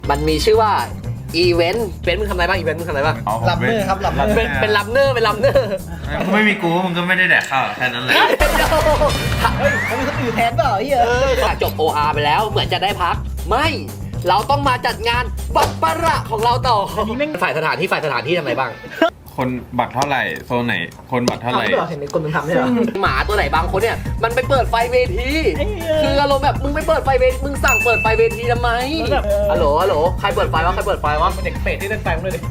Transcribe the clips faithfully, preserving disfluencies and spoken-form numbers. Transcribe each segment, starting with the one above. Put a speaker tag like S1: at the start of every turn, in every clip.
S1: มันมีชื่อว่าอีเวนต์เป็นมึงทำอะไรบ้างอีเวนต์มึงทำอะไรบ้าง
S2: ลับเนอร์ครับลับเนอร์
S1: เป็นเป็นลัมเนอร์เป็นลัมเนอร์
S3: ไม่มีกูมึงก็ไม่ได้แดกข้าวแค่นั้นแหละ
S2: เฮ้ยมันมีคนอื่นแทนเปล่าไอ้เหี้ย
S1: เออจบ โอ อาร์ ไปแล้วเหมือนจะได้พักไม่เราต้องมาจัดงานบัปปะระของเราต่อฝ่ายสถานที่ฝ่ายสถานที่ทำอะไรบ้าง
S3: คนบัตรเท่าไหร่โซนไหนคนบัตรเท่าไหร่
S2: ทำด้วยเหรอเห็นมีคนมันทำด้วยเหรอ
S1: หมาตัวไหนบางคนเนี่ยมันไปเปิดไฟเวทีคืออารมณ์แบบมึงไปเปิดไฟเวทีมึงสั่งเปิดไฟเวทีทำไมฮัลโหลฮัลโหลใครเปิดไฟวะใครเปิดไฟวะเด็กเป็ดที่เล่นไฟมึงเลยดิ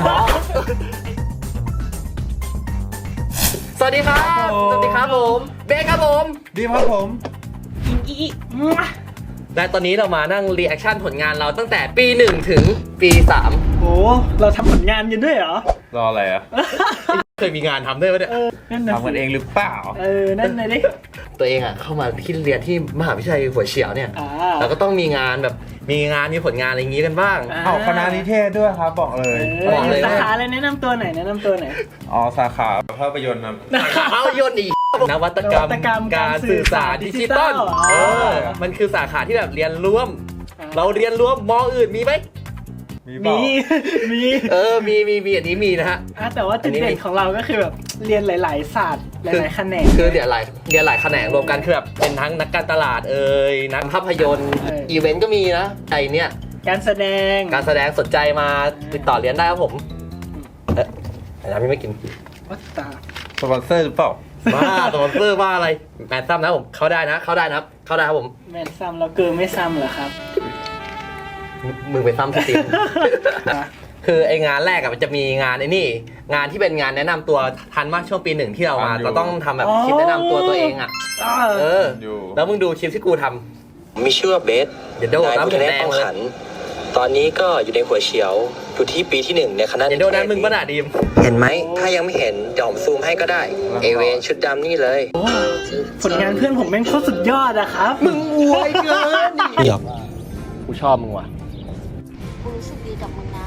S1: สวัสดีครับสวัสดีครับผมเบคครับผม
S3: ดีครับผม
S2: อีอี
S1: และตอนนี้เรามานั่งรีแอคชั่นผลงานเราตั้งแต่ปีหนึ่งถึงปีสาม
S2: โอ้เราทำผลงานกันด้วยเหรอ
S3: รออะไรอ่ะ
S1: เคยมีงานทำด้วยปะเนี่ย
S2: เออนั่นน่ะ
S3: ทำกันเองหรือเปล่า
S2: เออนั่นน่ะดิ
S1: ตัวเองอ่ะเข้ามาที่เรียนที่มหาวิทยาลัยหัวเฉียวเนี่ย
S2: อ่า
S1: เราก็ต้องมีงานแบบมีงานมีผลงานอะไรอย่างงี้กันบ้าง
S2: อ่า
S3: เอาคณะนิเทศด้วยครับบอกเลย
S1: บอกเลย
S2: สา
S1: ว่า
S2: ขาอะไรแนะนำตัวหน่อยแนะนำตัวหน่อย
S3: อ๋อสาขาภาพยนตร์ครับ
S1: ภาพยนตร์อีกนวัตกรรม
S2: นวัตกรรม
S1: การสื่อสารดิจิตอล
S2: อ๋อ
S1: เออมันคือสาขาที่แบบเรียนร่วม
S2: อ่า
S1: เราเรียนร่วมมออื่นมีไหม
S3: มีเปล่า
S2: มีมี
S1: เออมีมีมีอันนี้มีนะฮะ
S2: อ่ะแต่ว่าจุดเด่นของเราก็คือแบบเรียนหลาย ๆ ศาสตร์ห
S1: คือ
S2: ลาย ๆ แขนง
S1: คือเรียนหลายเรียนหลายแขนงรวมกันคือแบบเป็นทั้งนักการตลาดเอ่ยนักภาพยนตร์
S2: เอออี
S1: อีเวนต์ก็มีนะไอเนี่ย
S2: การแสดง
S1: การแสดงสนใจมาติดต่อเรียนได้ครับผมเอ๊ะไอ้น้ำพี่ไม่กิน
S2: วัตตา
S3: สปอนเซอร์หรือเปล่า
S1: บ้าสปอนเซอร์ว่าอะไรแมนซัมนะผมเข้าได้นะเข้าได้นะครับเข้าได้ครับผม
S2: แมนซ้ำเราเกินไม่ซ้ำเหรอครับ
S1: มึงไปซ้ำสติ
S2: อ่ะ
S1: คือไองานแรกอะมันจะมีงานไอ้นี่ งานที่เป็นงานแนะนำตัวทันมากช่วงปีหนึ่งที่เรามา
S3: ทันอยู่
S1: เราต้องทำแบบคลิปแนะนำตัวตัวเองอะ
S2: อ่า
S1: เออ
S3: อยู่
S1: แล้วมึงดูคลิปที่กูท
S4: มีชื่อว่าเบส
S1: ำเดี๋ยวโดน
S4: นาย
S1: น้ำ
S4: ผู้
S1: ถึง
S4: แนะ
S1: แดง
S4: ต้อง
S1: เลย
S4: ขัน ตอนนี้ก็อยู่ในหัวเฉียว อยู่ที่ปีที่หนึ่งในคณะ
S1: เดี๋ยวโดนนั้นมึงปะหนาดีม
S4: เห็นไหม ถ้ายังไม่เห็นเดี๋ยวผมซูมให้ก็ได้ เอเวนชุดดำนี่เลย
S2: โอ้ผลงานเพื่อนผมแม่งโคตรสุดยอดอะครับ
S1: มึงอวยเกินดิกูชอบมึงว่ะ
S5: กูรู้สึกดีกับมึงนะ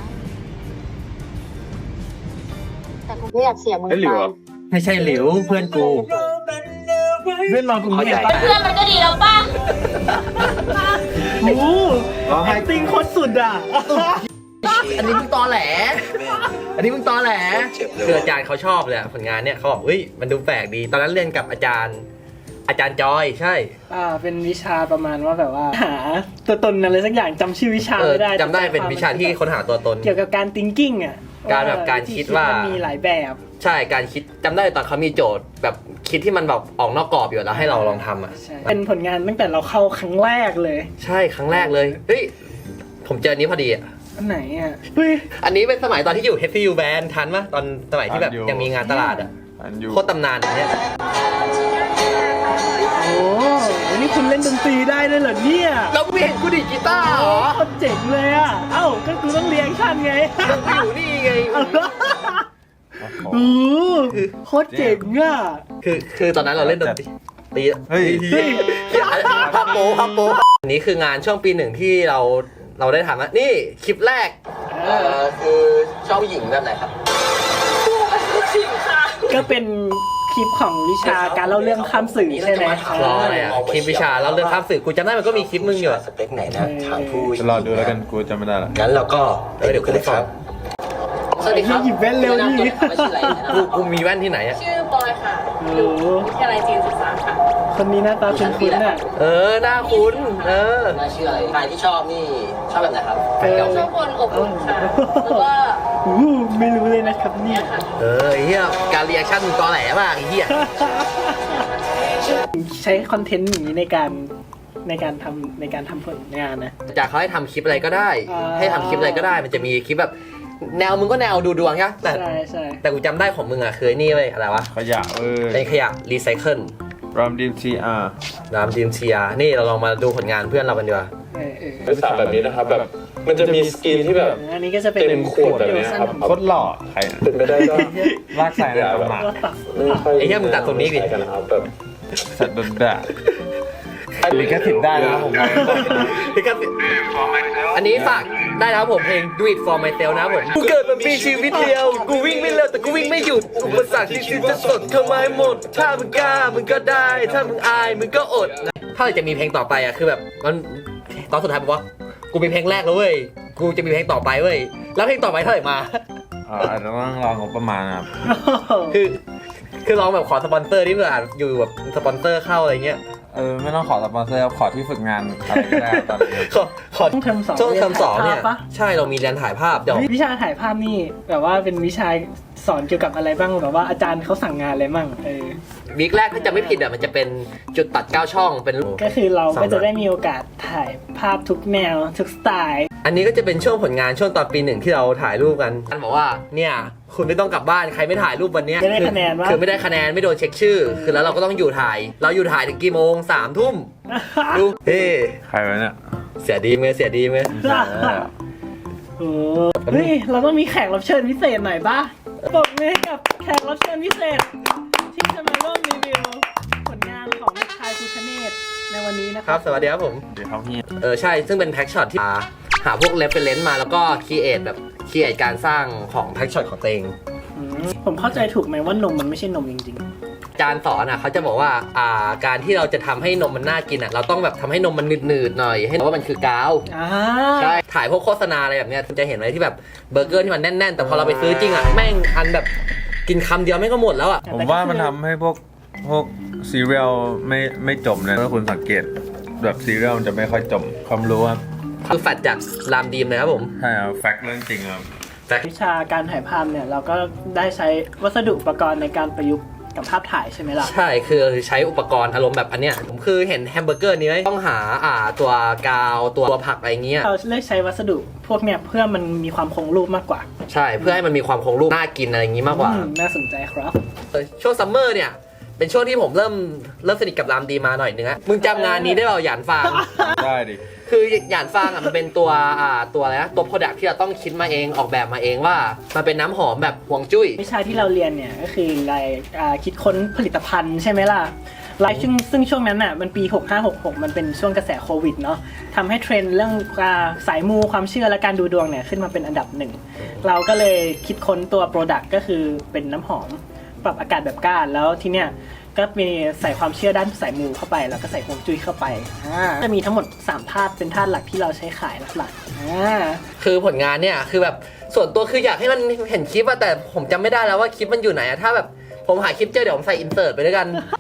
S5: แต่กูไม่อยากเสียมึง
S3: เอ้ยหลิ
S5: ไป
S3: วเหรอ
S1: ไม่ใช่หลิวเพื่อนกู
S2: เพื่อนเราคุณ
S4: เข้าใจ
S2: เห็นปะ
S5: เพื่อนมันก็ดีแล้วป่ะ
S2: โอ้แอคติ้งโคตรสุดอะ
S1: อันนี้มึงตอแหล อันนี้มึงตอแหล
S4: เจ็บเลย
S1: คืออาจารย์เขาชอบเลยอะผลงานเนี่ยเขาบอกเฮ้ยมันดูแปลกดี ตอนนั้นเรียนกับอาจารย์ อาจารย์จอยใช่
S2: อ่าเป็นวิชาประมาณว่าแบบว่า หาตัวตนอะไรสักอย่างจำชื่อวิชา
S1: เออ
S2: ไม่ได้
S1: จำได้เป็นวิชาที่ค้นหาตัวตน
S2: เกี่ยวกับการ thinking อะ
S1: การแบบการคิดว่า
S2: มันมีหลายแบบ
S1: ใช่การคิดจำได้ตอนเขามีโจทย์ แบบคิดที่มันแบบออกนอกกรอบอยู่แล้วให้เราลองทำอ่ะ
S2: ใช่เป็นผลงานตั้งแต่เราเข้าครั้งแรกเลย
S1: ใช่ครั้งแรกเลยเฮ้ยผมเจออันนี้พอดีอ่ะ
S2: อันไหนอ่ะเฮ้ย
S1: อันนี้เป็นสมัยตอนที่อยู่ เอช ซี ยู Band ทันปะตอนสมัยที่แบบ
S3: ทันอยู่
S1: ยังมีงานตลาดอ่ะ
S3: อันอยู่
S1: โคตรตำนานอันเนี้ย
S2: โอ้นี่คุณเล่นดนตรีได้ด้วยเหรอเนี่ย
S1: เราไม่เห็นกูดีดกีตาร์เหรอ
S2: โคตรเจ๋งเลยอ่ะ เอ้าก็กูต้องเรียงชั่นไง
S1: เราไปอยู่นี่ไง
S2: โอ้โคตรเจ๋งอ่ะ
S1: คือคือตอนนั้นเราเล่นดนตรีตี
S3: เฮ้ย
S2: เฮ้ย
S1: พับโปพับโปอันนี้คืองานช่วงปีหนึ่งที่เราเราได้ทำอะนี่คลิปแรกเออคือชอบผู้หญิงแบบไหนครับ
S2: ก็เป็นคลิปของวิชาการเล่าเรื่องข้ามสื่อใช่ไหม
S1: รออะไรอ่ะคลิปวิชาแล้วเรื่องข้ามสื่อกูจำได้มันก็มีคลิปมึงอยู่อะ
S4: สเปคไหนนะทางผู้
S3: จะรอดูแล้วกันกูจำไม่ได้ละ
S4: งั้นเราก็ไปดูกันเลยครับ
S1: สวัสดีครับ
S2: หยิบแว่นเร็วดิ
S1: กูกูมีแว่นที่ไหนอ่ะ
S6: ชื่อบอยค่ะ
S2: โอ้
S6: อยู่วิทยาลัยจีนศึกษาค่ะ
S2: คนนี้หน้าตาคุ้นๆอ่ะ
S1: เออหน้าคุ้นเออ
S4: น่าชื่ออะไรใครที่ชอบนี่ชอบแบบไหนครับ
S2: เออ
S6: ชอบคนอบอุ่นค่ะ แล้วก็
S2: อู้ไม่รู้เลยนะครับเนี่ย
S1: เออไอ้เหี้ยการรีแอคชั่นมึงตอแหลมากไอ้เหี้ย
S2: ใช้คอนเทนต์อย่างนี้ในการในการทำในการทำผลงานนะ
S1: จากเขาให้ทำคลิปอะไรก็ได้
S2: อ่า
S1: ให้ทำคลิปอะไรก็ได้มันจะมีคลิปแบบแนวมึงก็แนวดูดวงใช่ปะแต่
S2: ใช่ใช่
S1: แต่กูจำได้ของมึงอ่ะคือไอ้นี่เว้ยอะไรวะ
S3: ขยะเอ้ย
S1: เป็นขยะรีไซเคิล
S3: รามดีมทีอาร์
S1: รามดีมเชียร์นี่เราลองมาดูผลงานเพื่อนเรากันดีกว่า
S2: เออเออ
S7: เป็นสามแบบนี้นะครับแบบมันจะมีสกรีนที่แบบ
S2: อันนี้ก็จะเป็น
S7: เต็มขวดแบบเนี้ยครับ
S3: โคตรหล่อใครอะ
S7: เป็นไปได้ก็
S3: ลากใส่ในตำหนัก
S7: ไม่ค่อย
S1: ไอ้เหี้ยมึงตัดตรงนี้ดิ
S7: ใส่กันนะครับแบบ
S3: สัตว์โดนด่าลิขสิทธิ์ได้นะครับผม
S1: พี่ครับอันนี้ฝากได้นะครับผมเพลง Do It For Myself นะครับผมกูเกิดมามีชีวิตเดียวกูวิ่งไม่เร็วแต่กูวิ่งไม่หยุดอุปสรรคที่ชีวิตจะสดเข้ามาให้หมดถ้ามึงกล้ามึงก็ได้ ถ้ามึงอายมึงก็อดถ้าจะมีเพลงต่อไปอ่ะคือแบบมันตอนสุดท้ายบอกว่ากูมีเพลงแรกแล้วเว้ยกูจะมีเพลงต่อไปเว้ยแล้วเพลงต่อไปเท่าไหร่มา
S3: อ่าอาจจะต้องรองบประมาณนะครับ
S1: คือคือลองแบบขอสปอนเซอร์ที่เผื่ออยู่แบบสปอนเซอร์เข้าอะไรเงี้ย
S3: เออไม่ต้องขอสปอนเซอร์ครับขอที่ฝึกงานอะไรก็ได้ตอนนี้
S1: ขอขอ
S2: ช่วงเทอมสอง
S1: ช่วงเทอมสองเนี่ย
S2: รีถ่าภาพปะ
S1: ใช่เรามีเรียนถ่ายภาพเดี๋ยว
S2: วิชาถ่ายภาพนี่แบบว่าเป็นวิชาสอนเกี่ยวกับอะไรบ้างแบบว่าอาจารย์เขาสั่งงานอะไรบ้างเออ
S1: วีคแรกถ้าจะไม่ผิดอ่ะมันจะเป็นจุดตัดเก้าช่องเป็น
S2: ก็คือเราก็จะได้มีโอกาสถ่ายภาพทุกแนวทุกสไตล์
S1: อันนี้ก็จะเป็นช่วงผลงานช่วงตอนปีหนึ่งที่เราถ่ายรูปกันท่านบอกว่าเนี่ยคุณไม่ต้องกลับบ้านใครไม่ถ่ายรูปวันเนี้ย
S2: ไม่ได้คะแนนวะ
S1: คือไม่ได้คะแนนไม่โดนเช็คชื่อ คือแล้วเราก็ต้องอยู่ถ่าย เราอยู่ถ่ายถึงกี่โมงสามทุ่มดูเฮ้
S3: ใครวะเนี่ย
S1: เสียดีไหมเสียดีไหม
S2: โอ้เฮ้ยเราต้องมีแขกรับเชิญพิเศษหน่อยป่ะปรบมือให้กับแขกรับเชิญพิเศษ ที่จะมาร่วมรีวิวผลงานของเด็กชายภูชเนศในวันนี้นะค
S1: ครั
S2: รั
S1: บบ สวัสดีครับผม
S3: เดี๋ยวเขาพี่
S1: เออใช่ซึ่งเป็นแพ็กช็อตที่หาหาพวกเรฟเฟรนซ์มาแล้วก็ครีเอทแบบครีเอทการสร้างของแพ็กช็อตของตัวเอง
S2: อืมผมเข้าใจถูกไหมว่านมมันไม่ใช่นมจริง
S1: อาจารย์สอนอ่ะเขาจะบอกว่าอ่าการที่เราจะทำให้นมมันน่ากินอ่ะเราต้องแบบทำให้นมมันหนืดๆหน่อยให้รู้ว่ามันคือกาว
S2: ๆอ่า
S1: ใช่ถ่ายพวกโฆษณาอะไรแบบเนี้ยคุณจะเห็นอะไรที่แบบเบอร์เกอร์ที่มันแน่นๆ แต่พอเราไปซื้อจริงอ่ะแม่งอันแบบกินคำเดียวแม่งก็หมดแล้วอ่ะ
S3: ผมว่ามันทำให้พวกพวกซีเรียลไม่ไม่จมนะถ้าคุณสังเกตแบบซีเรียลมันจะไม่ค่อยจมความรู้ครับ
S1: คือแฟดจากรามดีมนะครับผม
S3: ใช่ครับแฟกต์เรื่องจริงครับ
S2: วิชาการถ่ายภาพเนี่ยเราก็ได้ใช้วัสดุอุปกรณ์ในการประยุกต์กับภาพถ่ายใช่ไหมล่ะ
S1: ใช่คือใช้อุปกรณ์อารมณ์แบบอันเนี้ยผมคือเห็นแฮมเบอร์เกอร์นี้ไหมต้องหาอ่าตัวกาวตัวผักอะไรเงี้ย
S2: เราเลือกใช้วัสดุพวกเนี่ยเพื่อมันมีความคงรูปมากกว่า
S1: ใช่เพื่อให้มันมีความคงรูปน่ากินอะไรอย่างงี้มากกว่า
S2: อืมน่าสนใจครับ
S1: เออช่วงซัมเมอร์เนี่ยเป็นช่วงที่ผมเริ่มเริ่มสนิทกับรามดีมาหน่อยนึงอะมึงจำงานนี้ได้เปล่าหยานฟาง
S3: ได้ดิ
S1: คือหยานฟางอ่ะมันเป็นตัวอ่าตัวอะไรนะตัวโปรดักที่เราต้องคิดมาเองออกแบบมาเองว่ามันเป็นน้ำหอมแบบห่วงจุ้ย
S2: วิชาที่เราเรียนเนี่ยก็คือรายอ่าคิดค้นผลิตภัณฑ์ใช่ไหมล่ะรายซึ่งซึ่งช่วงนั้นน่ะมันปีหกห้าหกหกมันเป็นช่วงกระแสโควิดเนาะทำให้เทรนด์เรื่องอ่าสายมูความเชื่อและการดูดวงเนี่ยขึ้นมาเป็นอันดับหนึ่งเราก็เลยคิดค้นตัวโปรดักก็คือเป็นน้ำหอมปรับอากาศแบบก้านแล้วทีเนี้ยก็มีใส่ความเชื่อด้านสายมูเข้าไปแล้วก็ใส่ฮวงจุ้ยเข้าไปอ่าจะมีทั้งหมดสามธาตุเป็นธาตุหลักที่เราใช้ขายหลักๆอ่า
S1: คือผลงานเนี่ยคือแบบส่วนตัวคืออยากให้มันเห็นคลิปอะแต่ผมจำไม่ได้แล้วว่าคลิปมันอยู่ไหนอะถ้าแบบผมหาคลิปเจอเดี๋ยวผมใส่อินเสิร์ตไปด้วยกัน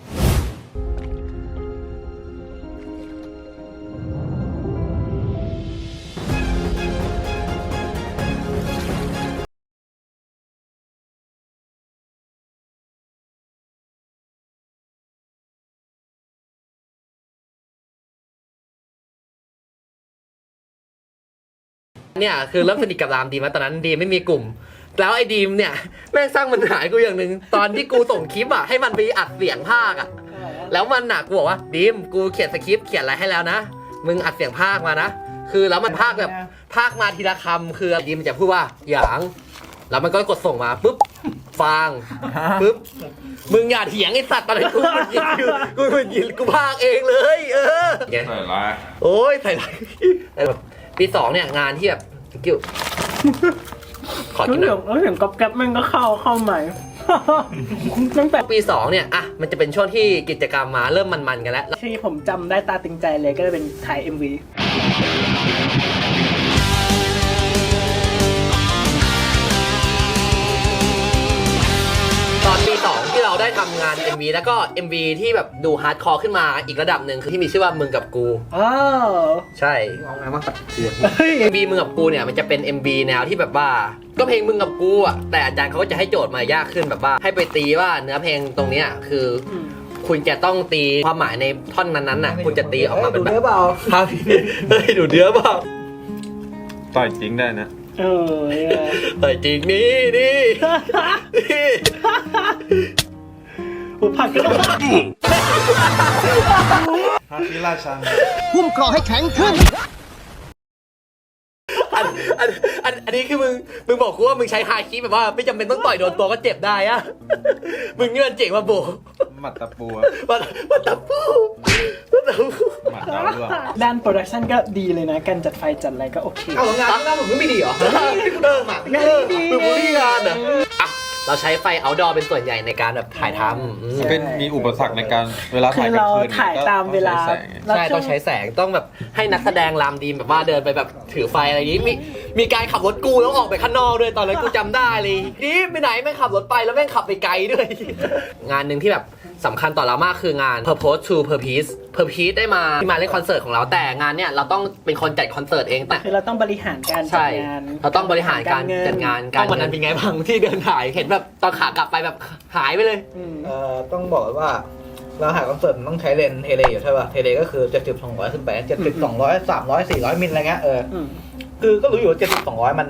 S1: เนี่ยคือเริ่มสนิทกับรามดีมาตอนนั้นดีมไม่มีกลุ่ม แล้วไอ้ดีมเนี่ยแม่งสร้างปัญหาให้กูอย่างหนึ่งตอนที่กูส่งคลิปอ่ะให้มันไปอัดเสียงภาคอ่ะแล้วมันหนักกูบอกว่าดีมกูเขียนสคริปต์เขียนอะไรให้แล้วนะมึงอัดเสียงภาคมานะคือแล้วมันภาคแบบภาคมาทีละคำคือดีมมันจะพูดว่าหยางแล้วมันก็กดส่งมาปุ๊บฟางปุ๊บมึงอย่าเถียงไอ้สัตว์ตอนนั้นกูมันยินกูมันยินกูภาคเองเลยเออ
S3: ใส่ร้าย
S1: โอ้ยใส่ไรแบบปีสองเนี่ยงานที่แบบกิ้วขอ
S2: แล้ว
S1: กินห
S2: เสี
S1: น่
S2: ย
S1: อง ย
S2: แล้วเสียงก๊อบแก๊บมันก็เข้าเข้าใหม่ ตั้งแต่
S1: ปีสองเนี่ยอ่ะมันจะเป็นช่วงที่กิจกรรมมาเริ่มมันๆกันแล้ว
S2: ที่ผมจำได้ตาตึงใจเลยก็จะเป็นถ่าย เอ็ม วี
S1: ตอนปีสองที่เราได้ทำงาน เอ็ม วี แล้วก็ เอ็ม วี ที่แบบดูฮาร์ดคอร์ขึ้นมาอีกระดับหนึ่งคือที่มีชื่อว่ามึงกับกู
S2: อ้าว
S1: ใช่เอาไงมาตัดเสียง เอ็ม วี มึงกับกูเนี่ยมันจะเป็น เอ็ม วี แนวที่แบบว่าก็เพลงมึงกับกูอ่ะแต่อาจารย์เขาก็จะให้โจทย์มายากขึ้นแบบว่าให้ไปตีว่าเนื้อเพลงตรงเนี้ยคือ คุณจะต้องตีความหมายในท่อนนั้นๆน่ะคุณจะตีออกมาเป็นแบบครับเฮ้ยดูเนื้อเปล่า
S3: ต่อยจริงได้นะ
S2: เออ
S1: แต่จริงนี่นี่นี่
S2: ผมผักก็
S3: ฮาคิราชัง
S8: หุ้มกรอให้แข็งขึ้น
S1: อันอันอันอันนี้คือมึงมึงบอกกูว่ามึงใช้ฮาคิแบบว่าไม่จำเป็นต้องต่อยโดนตัวก็เจ็บได้อะมึงเงื่อนเจ๋งมาโบ
S3: หมัดตะปูอะ
S1: มามาตับปูมาตับปู
S3: หมัดดาวเรือง
S2: ด้านโปรดักชันก็ดีเลยนะ การจัดไฟจัดอะไรก็โอเค
S1: เอางานที่หน้าผมไม่ดีเหรอเออหมากเออมึงบูลลี่งานเหรออ่ะเราใช้ไฟเอาท์ดอร์เป็นส่วนใหญ่ในการแบบถ่ายทำอืม
S3: เป็นมีอุปสรรคในการเวลา
S2: คื
S3: ถ่าย
S2: อก
S3: ลาง
S2: เรา
S3: คืน
S2: ถ่ายตามเวลา
S3: ใช้แสง
S1: ใช่ต้องใช้แสงต้องแบบให้นักแสดงรามดีมแบบว่าเดินไปแบบถือไฟอะไรอย่างนี้มีมีการขับรถกูแล้วออกไปข้างนอกด้วยตอนนั้นกูจำได้เลยนี่ไปไหนแม่งขับรถไปแล้วแม่งขับไปไกลด้วย งานหนึ่งที่แบบสำคัญต่อเรามากคืองาน Purpose to Purpose Purpose ได้มาที่มาเล่นคอนเสิร์ตของเราแต่งานเนี่ยเราต้องเป็นคนจัดคอนเสิร์ตเองแต่
S2: คือเราต้องบริหารการจั
S1: ใช่
S2: ดงาน
S1: เราต้องบริหารการ
S2: เงิ
S1: จัดงานการวันนั้นเป็นไงบ้างที่เดินหายเห็นแบบตอนขากลับไปแบบหายไปเลย
S2: อืม
S8: เอ่อต้องบอกเลยว่าเราถ่ายคอนเสิร์ตมันต้องใช้เลนส์เทเลอยู่ใช่ป่ะเทเลก็คือเจ็ดสิบสองร้อยขึ้นไปเจ็ดสิบสองร้อยสามร้อยสี่ร้อยมิลอะไรเงี้ยเออ
S2: อืม
S8: คือก็รู้อยู่ว่าเจ็ดสิบสองร้อยมัน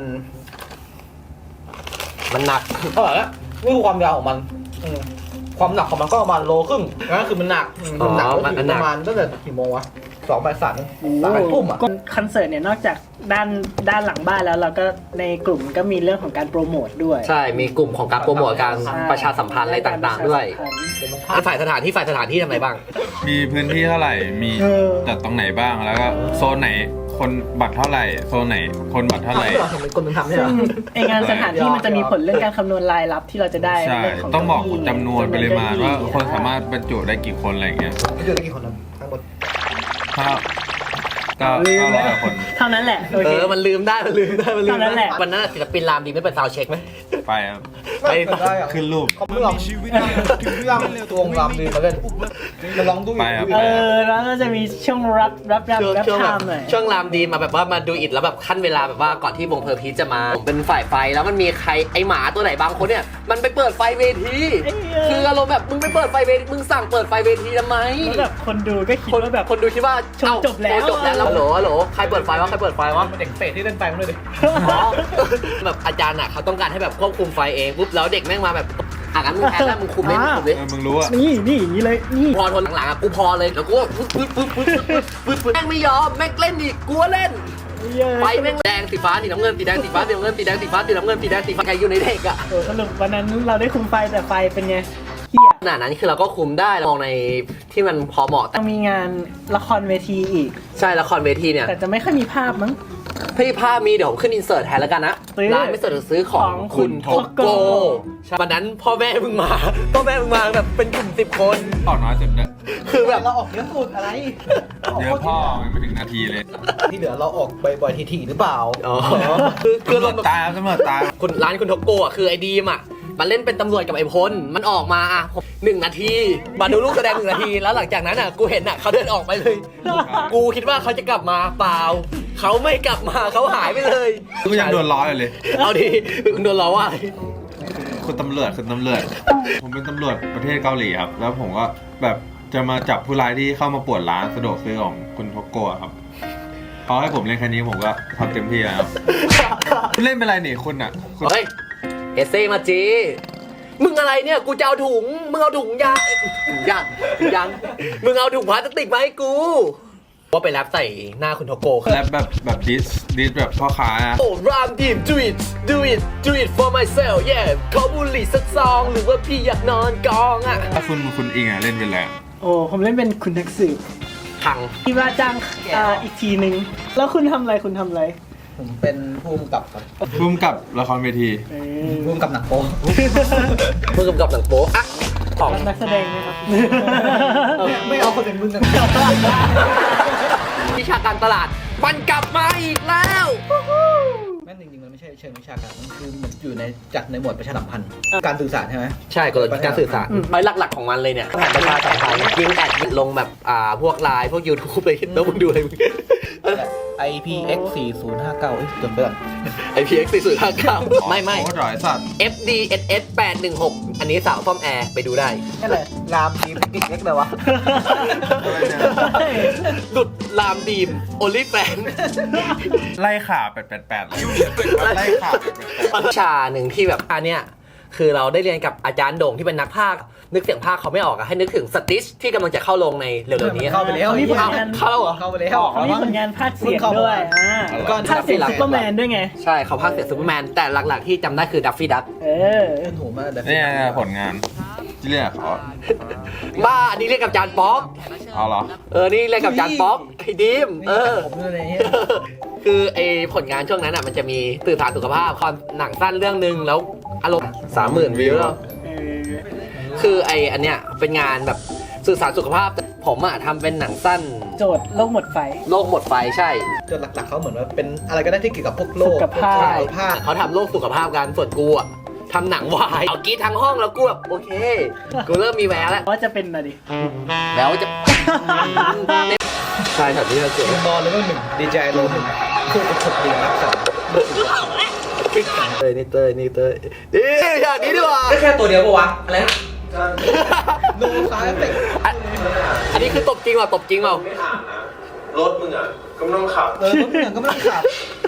S1: มันหนัก
S8: เท่าไหร่ละนี่คือความยาวของมันอืมความหนักของมันก็ประมาณโลครึ่งนั่นคือมันหนักอืมมันหนักก็ถึงประมาณตั้งแต่กี่โมงวะสองบ่ายสามสามทุ่มอ่ะ
S2: ก็คอนเสิร์ตเนี่ยนอกจากด้านด้านหลังบ้านแล้วเราก็ในกลุ่มก็มีเรื่องของการโปรโมทด้วย
S1: ใช่มีกลุ่มของการโปรโมทการ
S2: ใช่
S1: ประชาสัมพันธ์อะไรต่างๆด้วย
S2: ประชาสัมพันธ์
S1: ฝ่ายสถานที่ฝ่ายสถานที่ทำอะไรบ้าง
S3: มีพื้นที่เท่าไหร่มี
S2: เออ
S3: จัดตรงไหนบ้างแล้วก็โซนไหนคนบัตรเท่าไหร่โซนไหนคนบัตรเท่าไหร่
S8: ทำเราเห็นเป็นคนมันทำใช่ไหม
S2: ซึ่งไองานสถานที่มันจะมีผลเรื่องการคำนวณรายรับที่เราจะได้
S3: ใช่
S2: เรื่องของ
S3: ต้องบอก
S2: เก้าอี้
S3: จำนวนปริมาณว่าคนสามาร
S2: ถ
S3: ถบรรจุได้กี่คนอะไรอย่างเงี้ย
S8: ไม่เจอได้กี่คนนะทั้งหมด
S3: ถ้าก็เก้าร้อยคน
S2: เท่านั้นแหละโอ
S1: เอ
S2: เค
S1: อมันลืมได้มันลืมได้มันลืม
S2: เท่านั้นแห
S1: ได้
S2: ละ
S1: วันนั้นศิลปินรามดีไม่เปิดซาวด์เช็คไหม
S3: ไปครับ
S1: ไป
S8: ได้อะ
S3: ขึ้นรูป
S8: เขาไม่ลองไม่ลองตัวงรำดีมาเล่นมาลองดู
S3: ไปครับ
S2: เออแล้วก็จะมีช่วงรับรับรับ
S1: ช่วง
S2: รับ
S1: ช่วง
S2: ไท
S1: แบบ
S2: ม์หน่อย
S1: ช่วงรามดีมาแบบว่ามาดูอิดแล้วแบบขั้นเวลาแบบว่าก่อนที่วงเพอร์พีชจะมาผมเป็นฝ่ายไฟแล้วมันมีใครไอหมาตัวไหนบางคนเนี่ยมันไปเปิดไฟเวที
S2: เอ้ยเออ
S1: คืออารมณ์แบบมึงไปเปิดไฟเวทีมึงสั่งเปิดไฟเวทีทำไม
S2: แล้วแบบคนดูก็คิด
S1: คน
S2: ว่าแบบ
S1: คนดูคิดว่า
S2: ชม
S1: เอ้า
S2: จบแล้ว
S1: โอ้จบแล้วแล้วฮัลโหลฮัลโหลใครเปิดไฟวะใครเปิดไฟวะ
S8: เด็กเฟสที่เล่นไฟมันเลยดิ
S1: อ๋อแบบอาจารย์อ่ะเขาต้องการให้แบบควบคุมไฟเองปุ๊บแล้วเด็กแม่งมาแบบอ่ะงั้นมึงแพ้แล้วมึงคุมเลยมึงคุมเลย
S3: เออมึงรู้อะ
S2: นี่นี่อย่างนี้เลยนี่
S1: พอทนหลังๆอ่ะกูพอเลยแล้วกูก็ปึ๊บปึ๊บปึ๊บปึ๊บปึ๊บปึ๊บปึ๊บแม่งไม่ยอมแม่งเล่นอีกกูก็เล่นไฟแม่งแดงสีฟ้าสีน้ำเงินสีแดงสีฟ้าสีน้ำเงินสีแดงสีฟ้าสีน้ำเงินสีแดงสีฟ้าใครอยู่ในเด็กอ่ะ
S2: โอ้สรุปวันนั้นเราได้คุมไฟแต่ไฟเป็นไงเหี้ย
S1: ขนาดนั้นคือเราก็คุมได้เรามองในที่มันพอเหมาะแต่
S2: ยังมีงานละครเวทีอีก
S1: ใช่ละครเวทีเนี่ย
S2: แต่จะไม่ค่อยมีภาพมั้ง
S1: พี่ภาพมีเดี๋ยวผมขึ้นอินเสิร์ตแทนแล้วกันนะ
S2: ซื้อ
S1: ร้านไม่เสิร์ตซื้อของ
S2: ของคุ
S1: คุณ
S2: ณ
S1: โท
S2: โท
S1: โก
S2: โก
S1: ใช่วันนั้นพ่อแม่มึงมาพ่อแม่มึงมาแบบเป็นกลุ่มสิบคน
S3: ออกน้อยสุดเนี่ย
S1: คือแบบ
S8: เราออกเยอะสุดอะไร
S3: เยอะพ่อมันไม่ถึงนาทีเลย
S8: ที่เหลือเราออกบ่อยๆทีๆหรือเปล่า
S1: อ๋อคือคือ
S3: ตำร
S1: เรา
S3: วจ
S1: แบบ
S3: ตามตำรวจตาม
S1: คุณร้านคุณโทโกะอ่ะคือไอ้ดีมอ่ะมันเล่นเป็นตำรวจกับไอ้พลมันออกมาอ่ะหนึ่งนาทีมาดูลูกแสดงหนึ่งนาทีแล้วหลังจากนั้นอ่ะกูเห็นอ่ะเขาเดินออกไปเลย กูคิดว่าเขาจะกลับมาเปล่าเขาไม่กลับมาเขาหายไปเลย
S3: ก็ยังโดนล้ออยู่เลย
S1: เอาดิมึงโดนล้อว่าอะไร
S3: คุณตำรวจคุณตำรวจ ผมเป็นตำรวจประเทศเกาหลีครับ แล้วผมก็แบบจะมาจับผู้ร้ายที่เข้ามาป่วนร้านสะดวกซื้อของคุณโทโกะครับเขาให้ผมเล่นแค่นี้ผมก็ทำเต็มที่แล้วครับคุณเล่นเป็นไรนี่คุณอ่ะคุณ
S1: เฮ้ยเอเซ่มาจีมึงอะไรเนี่ยกูจะเอาถุงมึงเอาถุงยางถุงยางถุงยางมึงเอาถุงพลาสติกมาให้กูว่าไปแรปใส่หน้าคุณโทโกะ
S3: แล้วแบบแบบดิสดิสแบบพ่อค้าอะ
S1: โอ้รามทีม do it do it do it for myself yeah ขอบุหรี่สักซองหรือว่าพี่อยากนอนกองอ่ะ
S3: ถ้าคุณคุณอิงอ่ะเล่นเป็นอะไรอะ
S2: โอ้ผมเล่นเป็นคุณนักสืบ
S1: พัง
S2: ที่ว่าจ้างอ่าอีกทีนึง แล้วคุณทำอะไรคุณทำอะไร
S8: ผมเป็นผู้กำกับครับ
S3: ร่วมกับละครเวที
S2: เออ
S8: ผู้กำกับหนังโป๊
S1: มือกำกับหนังโป๊ะอะของ
S2: นักแสดงนะครับ
S8: ไม่เอาคนเป็นมึงกัน
S1: วิชาการตลาดมันกลับมาอีกแล้ว
S8: แม่นจริงๆมันไม่ใช่เชิงวิชาการมันคือมันอยู่ในจัดในหมวดประชาสัมพันธ์การสื่อสารใช่ไหม
S1: ใช่กลยุทธ์การสื่อสารไอ้หลักๆของมันเลยเนี่ยแผนประชาสัมพันธ์ยิงแอดลงแบบอ่าพวกไลน์พวก YouTube เลยแล้วมึงดูอะไรมึง
S8: ไอ พี เอ็กซ์ สี่ศูนย์ห้าเก้าเอ้ยจดไปก่อน
S1: ไอพีเอ็กซ์สี่ศูนย์ห้าเก้าไม่ไม่
S3: โอ้ยสัตว์
S1: เอฟ ดี เอส เอส แปดหนึ่งหกอันนี้สาวซ่อมแอร์ไปดูได้
S8: นี่แหละรามทีมกิ๊กเล็กเลยวะ
S1: หลุดลามดีมโอลิแฟน
S3: ไล่ขาแปดแปดแปดเลยไล่ขาแปดแปดแปด
S1: วิชาหนึ่งที่แบบอันเนี้ยคือเราได้เรียนกับอาจารย์โด่งที่เป็นนักพากย์นึกเสียงพากย์เขาไม่ออกอะให้นึกถึงสติชที่กำลังจะเข้าลงในเร็วๆนี้
S8: เข้าไปแล้ว
S2: เขามีผล
S1: เอา
S2: งาน
S1: เข้าแล้วเหรอ
S8: เข้าไปแล้ว
S2: เขามีผลงานภาคเสียงด้วยอ่า
S8: ก็
S2: ภาคเสียงซุปเปอร์แมนด้วยไง
S1: ใช่เขาพากย์เสียงซูเปอร์แมนแต่หลักๆที่จำได้คือดัฟฟี่ดัก
S2: เออ
S8: ขึ้นหูมาแต่
S3: นี่ไงผลงานที่เรียกเขา
S1: บ้าอันนี้เรียกกับจานป๊อก
S3: เอาเหรอ
S1: เออนี่เรียกกับจานป๊อกไอ้ดิมเออ
S8: ผมเลยเนี่ย
S1: คือไอผลงานช่วงนั้นอ่ะมันจะมีสื่อสารสุขภาพคอนหนังสั้นเรื่องหนึ่งแล้วอารมณ์สามหมื่นวิวแล้ว
S2: เออ
S1: คือไออันเนี้ยเป็นงานแบบสื่อสารสุขภาพผมอ่ะทำเป็นหนังสั้น
S2: โจทย์โลกหมดไฟ
S1: โลกหมดไฟใช่
S8: โจทย์หลักๆเขาเหมือนว่าเป็นอะไรก็ได้ที่เกี่ยวกับพวกโลก
S2: สุขภาพ
S8: สุขภาพ
S1: เขาทำโลกสุขภาพกันส่วนกูอะทำหนังวายเอากรีดทั้งห้องแล้วกูแบบโอเค กูเริ่มมีแววแล้ว
S2: ว่าจะเป็นอะไรดิ
S1: แววจะ ใช่แบบนี้เราเกิด
S8: บอลเลเวลหนึ่งดีเจโลหนึ่งคู่กับฉกดีรักษา
S1: เตยนี่เตยนี่เตยนี่อย่างนี้ดีกว่า
S8: แค่ตัวเดียวปะวะอะไรนะโนซายเฟก
S1: อันอันนี้คือตบจริงเปล่าตบจริงเปล่าร
S7: ถมึงอ่ะก็ไม่ต้องขับ
S8: เออรถเหมือนก็ไม่ต้องขับ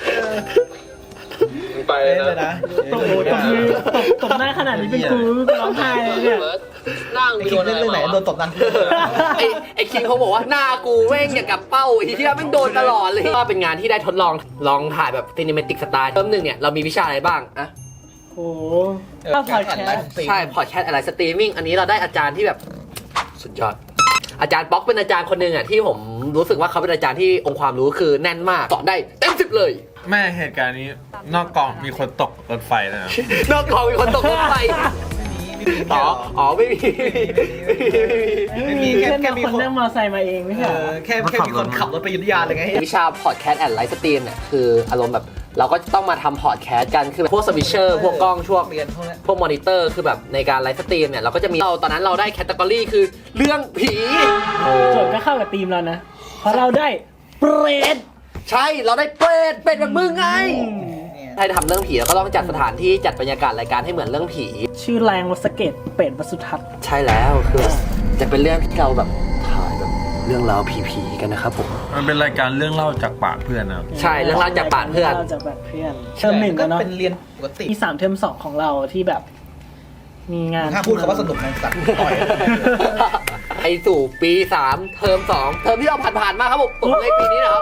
S7: มึงไป
S8: เล่น
S7: เล
S8: เลย ย
S7: นะ
S8: นะ
S2: ตบตบมือตบตบหน้าขนาดนี้เป็นกูร้องไห้เลยเนี่ย
S1: นั่ง
S8: ไอ้คิดเล่นเรื่องไหนโดนตบนั่น
S1: ไอ้ไอ้คิงเขาบอกว่าหน้ากูแม่งอย่างกับเป้าไอ้ที่แม่งโดนตลอดเลยก็เป็นงานที่ได้ทดลองลองถ่ายแบบซีนิเมติกสไตล์เริ่มหนึ่งเนี่ยเรามีวิชาอะไรบ้างอะ
S2: โอ้โหถ้าพอดแคสต์
S1: ใช่พอดแคสต์อะไรสตรีมมิ่งอันนี้เราได้อาจารย์ที่แบบสุดยอด อาจารย์ป๊อกเป็นอาจารย์คนหนึ่งอ่ะที่ผมรู้สึกว่าเขาเป็นอาจารย์ที่องค์ความรู้คือแน่นมากสอนได้เต็มสิบเลย
S3: แม่เหตุการณ์นี้นอกกองมีคนตกรถไฟนะ
S1: นอกกองมีคนตกรถไฟ
S8: ไม่มี
S1: อ๋ออ๋อไม่มี
S2: ไม่มีแค่แค่มีคนนั่งมอเตอร์ไซค์มาเองไม่
S8: เอ
S2: ใช่เหรอ
S8: อแค่แค่มีคนขับรถไปอยุธยาเลยไง
S1: วิชาพอดแคสต์แอนด์ไลฟ์สตรีมเนี่ยคืออารมณ์แบบเราก็ต้องมาทำพอดแคสต์กันคือแบบพวกสวิชเชอร์พวกกล้องช่วง
S8: เรียนพวกนี้
S1: พวกมอนิเตอร์คือแบบในการไลฟ์สตรีมเนี่ยเราก็จะมีเราตอนนั้นเราได้แคตตากรีคือเรื่องผี
S2: โจทย์ก็เข้ากับทีมเรานะ เพราะเราได้เปรต
S1: ใช่เราได้เป็ดเป็ดแบบมึงไงถ้าทำเรื่องผีเราก็ต้องจัดสถานที่จัดบรรยากาศรายการให้เหมือนเรื่องผี
S2: ชื่อแรงวัสเกตเป็ดวัสุทัศน์
S1: ใช่แล้วคือจะเป็นเรื่องที่เราแบบถ่ายแบบเรื่องราวผีๆกันนะครับผม
S3: มันเป็นรายการเรื่องเล่าจากปากเพื่อนนะครับ
S1: ใช่เรื่องราวจากปากเพื่อน
S2: เรื่องราวจากปากเพื่อนเทอมหนึ่ง
S8: ก็
S2: กันเนาะ
S8: เป็นเรียนปกติ
S2: มีสามเทอมสองของเราที่แบบ มีงาน
S8: ถ้าพูดคำว่าสนุกมันตัดต่อย
S1: ไอสู่ปีสามเทอมสองเทอมที่เราผ่านๆมาครับผมตกเลขปีนี้นะครับ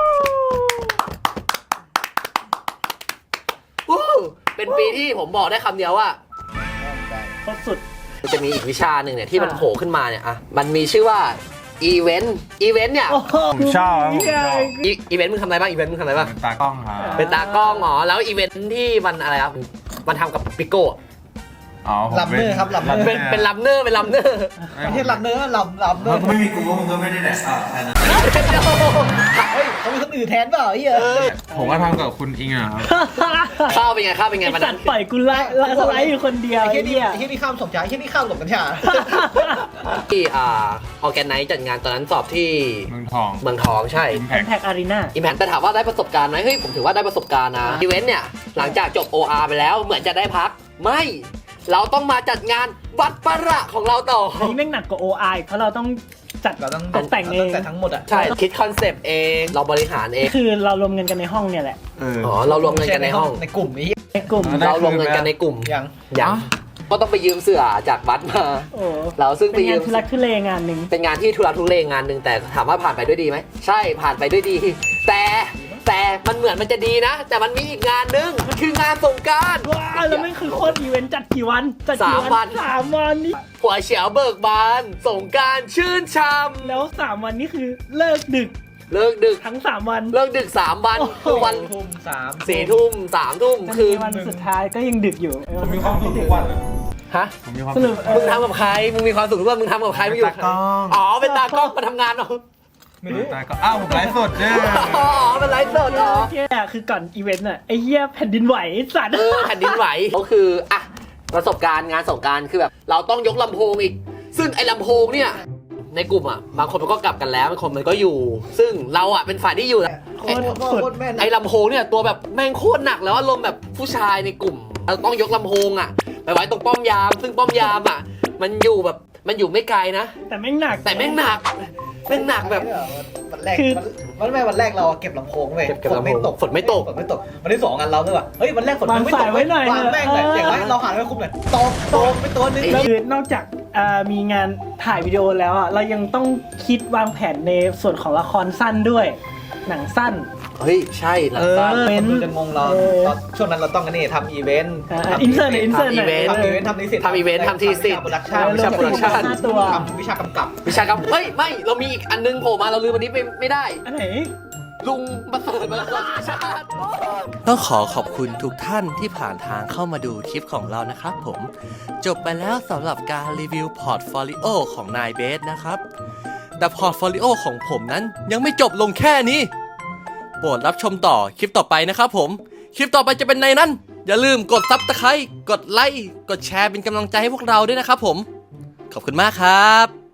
S1: วู้เป็นปีที่ผมบอกได้คำเดียวว่า
S2: โคตรสุด
S1: จะมีอีกวิชาหนึ่งเนี่ยที่มันโผล่ขึ้นมาเนี่ยอ่ะมันมีชื่อว่าอีเวนต์อีเวนต์เนี่ย
S3: ผมชอบครับผมชอบ
S1: อีอีเวนต์มึงทำอะไรบ้างอีเวนต์มึงทำอะไรบ้าง
S3: เป็นตากล้องครับ
S1: เป็นตากล้องอ๋อแล้วอีเวนต์ที่มันอะไรครับมันทำกับปิโก้
S3: อ๋อผม
S8: ลับเนอร์ครับลับเนอร์
S1: เป็นเป็นลัมเนอร์เป็นลัมเนอร์
S8: ไม่ใช่ลับเนอร์ลับลับเนอร์
S3: ไม่มีกูมึงก็ไม่ได้แดกอ่ะแค่นั้น
S8: เฮ้ยเขามีคนอื่นแทนเปล่าไอ้เหี้ย
S3: ผมก็ทำกับคุณอิงอะครับ
S1: ข้าวเป็นไงข้าวเป็นไง
S2: ไอ้
S1: มัน
S2: สัตว์ปล่อยกูไล่ไล่สไลด์อยู่คนเดียว
S8: ไอ้
S2: ไอ้
S8: เหี้ยนี่
S2: เหี้ย
S8: ไอ้เหี้ยนี่ข้ามสมชายไอ้เหี้ยนี่ข้ามหลบกัญชา
S1: ที่อ่าออแกนไนซ์จัดงานตอนนั้นสอบที่
S3: เมืองทอง
S1: เมืองทองใช่
S3: อิมแพ
S2: แพ
S3: ค
S2: คอารีนา
S1: อิมแพคแต่ถามว่าได้ประสบการณ์ไหมเฮ้ยผมถือว่าได้ประสบการณ์นะอีเวนต์เนี่ยหลังจากจบ โอ อาร์ ไปแล้วเหมือนจะได้พักไม่เราต้องมาจัดงานวัดประของเราต่อ
S2: อันนี้แม่งหนักกว่า โอ ไอ เพราะเราต้องจัด
S8: เราต้อง
S2: ตกแต่งเอง
S8: แต่ทั้งหมดอ่ะ
S1: ใช่คิดคอนเซปต์เองเราบริหารเอง
S2: คือเรารวมเงินกันในห้องเนี่ยแหละ
S3: เออ
S1: อ๋อเรารวมเงินกันในห้อง
S8: ในกลุ่มนี้
S2: ในกลุ่ม
S3: ได้
S1: เรารวมเงินกันในกลุ่ม
S8: ยัง
S1: อย่างก็ต้องไปยืมเสื้อจากวัดมา
S2: โอ้
S1: เราซึ่งไป
S2: เป็น
S1: ยื
S2: งาน
S1: ม
S2: ทุลักทุเลงานหนึ่ง
S1: เป็นงานที่ทุรักทุเลงานหนึ่งแต่ถามว่าผ่านไปด้วยดีไหมใช่ผ่านไปด้วยดี แต่แต่มันเหมือนมันจะดีนะ แต่มันมีอีกงานหนึงคืองานสงกรานต์
S2: ว้าวแล้วไม่คือโคตรอีเวนต์จัดกี่วันจัดกี่
S1: สามวัน
S2: สามวันนี่
S1: หัวเฉียวเบิกบานสงกรานต์ชื่นช่
S2: แล้วสามวันนี่คือเลิกดึก
S1: ำเลิกดึก
S2: ทั้งสามวัน
S1: เลิกดึกสามวัน
S2: โอ้โห
S1: คือวัน
S8: ทุ่มสาม
S1: สี่ทุ่มสามทุ่ม
S2: มัน
S1: คือ
S2: มีวันสุดท้ายก็ยังดึกอยู่
S3: ผมมีความสุขทุกวันอะ
S1: ฮะ
S3: ผมมีความ
S2: ส
S3: สุ
S2: รุ
S3: ข
S2: ปเอ
S1: มึง
S2: อ
S1: ทำกับใครมึงมีความสุขหรือว่ามึงทำกับใครมึงอยู่
S3: เป็นตากล้อง
S1: อ๋อเป็นตากล้องมาทำงานเหรอ
S8: ไม่รู้
S3: ตากล้องอ้าวผมไลฟ์สดเนี่ย
S1: อ๋อเป็นไลฟ์สดเหรอ
S2: เที่ยคือก่อนอีเวนต์อะไอ้เหี้ยแผ่นดินไหวไอ้สัตว์
S1: เออแผ่นดินไหวเขาคืออ่ะประสบการณ์งานสงกรานต์คือแบบเราต้องยกลำโพงอีก ซึ่งไอ้ลำโพงเนี่ยในกลุ่มอ่ะบางคนมันก็กลับกันแล้วบางคนมันก็อยู่ ซึ่งเราอ่ะเป็นฝ่ายที่อยู่
S8: โค
S1: ไอ้
S8: ตรโคตรแม่น
S1: ไอ้ลำโพงเนี่ยตัวแบบแม่งโคตรหนักแล้วอารมณ์แบบผู้ชายในกลุ่มเราต้องยกลำโพงอ่ะไปไว้ตรงป้อมยาม ซึ่งป้อมยามอ่ะมันอยู่แบบมันอยู่ไม่ไกลนะ
S2: แต่แม่งหนัก
S1: แต่แม่งหนักแม่งหนักแบบ
S8: วันแรก
S2: คือ
S8: วันแรกวันแรกเราเก็บลำโพงไว้
S1: เก็บเก็บ
S8: ฝน
S1: ลำโพง
S8: ไม่ตก
S1: ฝนไม่ตก
S8: ฝนไม่ตกวันที่สองกันเราด้วยว่ะเฮ้ยวันแรกฝน
S2: วาง
S8: ไม่ต
S2: สาย
S8: ก
S2: ไว้หน่อยว
S8: างแม่งเลย
S2: เออ
S8: อย่างไรเราหันไปคุมเลยตกตกไปตัวนึง
S2: แล้วคือนอกจากอ่ามีงานถ่ายวิดีโอแล้วอ่ะเรายังต้องคิดวางแผนในส่วนของละครสั้นด้วย หนังสั้น
S1: เฮ้ยใช่หลั
S8: เอง อ
S1: สั้น
S8: คนดูจะงงเรา
S2: เออ
S8: ตอนช่วงนั้นเราต้องกันนี่ทำอีเวนต์
S2: อ่าอินเสิร์ตอินเสิร์ต
S1: ทำอีเวนต์
S8: ทำอีเวนต์ทำนิสิต
S1: ทำอีเวนต์ทำทีสิทธิ์
S8: โปรดักชั่น
S1: วิชาโปรดักชั่น
S2: ห้าตัว
S8: ทำวิชากำกับ
S1: วิชาครับเฮ้ยไม่เรามีอีกอันนึงโผล่มาเราลืมวันนี้ไปไม่ได้
S2: อันไหน
S1: ลุงมาเสิร์ฟมาเสิร์ฟชาติ
S9: ต้องขอขอบคุณทุกท่านที่ผ่านทางเข้ามาดูคลิปของเรานะครับผม จบไปแล้วสำหรับการรีวิวพอร์ตโฟลิโอของนายเบสนะครับแต่พอร์ตโฟลิโอของผมนั้นยังไม่จบลงแค่นี้โปรดรับชมต่อคลิปต่อไปนะครับผมคลิปต่อไปจะเป็นในนั้นอย่าลืมกดซับสไครต์กดไลค์กดแชร์เป็นกำลังใจให้พวกเราด้วยนะครับผมขอบคุณมากครับ